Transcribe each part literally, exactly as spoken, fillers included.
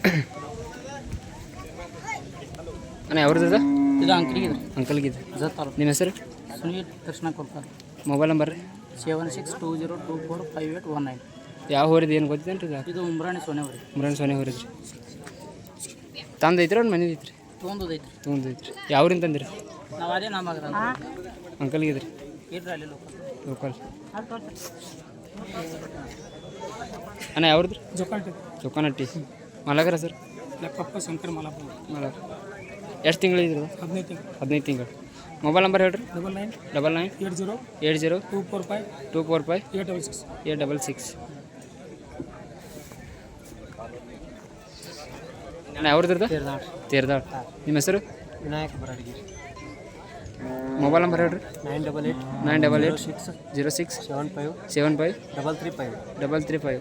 ಅಣ್ಣ ಯಾವ್ದು ಇದು ಇದು ಅಂಕಲಿಗೆ ಅಂಕಲ್ಗಿದೆ ಜತ್ತಾರ ನಿಮ್ಮ ಹೆಸರು ಸುನೀಲ್ ಕೃಷ್ಣ ಕೊಡ್ತಾರೆ ಮೊಬೈಲ್ ನಂಬರ್ ರೀ seven six two zero two four five eight one nine. ಯಾವ ಹೋರಿದು ಏನು ಗೊತ್ತೇನು ರೀ ಇದು ಉಮ್ರಾಣಿ ಸೋನೆ ಹೊರಿ ಮುರಾಣ್ ಸೋನೆ ಹೋರಿದ್ರಿ ತಂದು ಐತ್ರಿ ಒಂದು ಮನೆ ಐತ್ರಿ ತೊಗೊಂಡು ಐತ್ರಿ ತೊಗೊಂಡು ಐತ್ರಿ ಯಾವ್ರಿಂದ ತಂದಿರಿ ನಾವು ಅದೇ ನಮಗೆ ಅಂಕಲ್ಗಿದೆ ರೀ ಇರ್ರಿ ಅಲ್ಲಿ ಲೋಕಲ್ ಲೋಕಲ್ ಅಣ್ಣ ಯಾವ್ದು ಜೋಕಾಲ್ಟಿ ಚೊಕ್ಕನಟ್ಟಿ ಮಲಗರ ಸರ್ ಲೆಕ್ಕಪ್ಪ ಶಂಕರ್ ಮಲಪ್ಪ ಮಲಗ ಎಷ್ಟು ತಿಂಗಳು ಇದ್ರು ಹದಿನೈದು ತಿಂಗಳು ಹದಿನೈದು ತಿಂಗಳು ಮೊಬೈಲ್ ನಂಬರ್ ಹೇಳ್ರಿ double nine double nine eight zero eight zero two four five two four five eight double six eight double six ಅಣ್ಣ ಯಾವ್ದು ತೇರ್ದಾಳ್ ನಿಮ್ಮ ಹೆಸರು ವಿನಾಯಕ ಬರಡಿಗೆ ಮೊಬೈಲ್ ನಂಬರ್ ಹೇಳ್ರಿ nine double eight nine double eight six zero six seven five seven five double three five double three five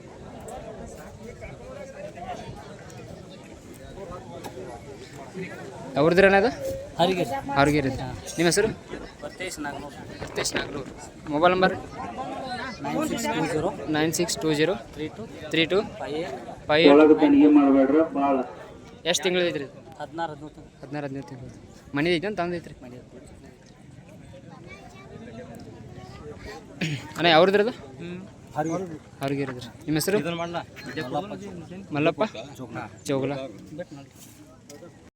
ಯಾವ್ದ್ರಿ ಅಣ್ಣ ಅದು ಹರಿಗೆ ಅವ್ರಿಗೆ ನಿಮ್ಮ ಹೆಸರು Bhartesh Naganur Satish Nagalur mobile number nine six two zero nine six two zero three two three two five eight five ಎಷ್ಟು ತಿಂಗಳು ಐತ್ರಿ ಹದಿನಾರು ಹದಿನೈದು ಹದಿನಾರು ಹದಿನೈದು ತಿಂಗಳು ಮನೆ ಐತೆ ಅಂತ ತಂದೈತ್ರಿ ಮಾಡಿ ಅಣ್ಣ ಯಾವ್ದು ಅದು ಹ್ಞೂ ಅವ್ರಿಗೆ ಇರಿದ್ರಿ ನಿಮ್ಮ ಹೆಸರು ಇದನ್ನು ಮಾಡಲ ಮಲ್ಲಪ್ಪ ಜೋಗ್ನ ಚೌಗಲ ಬೆಟ್ ನೋಡಿ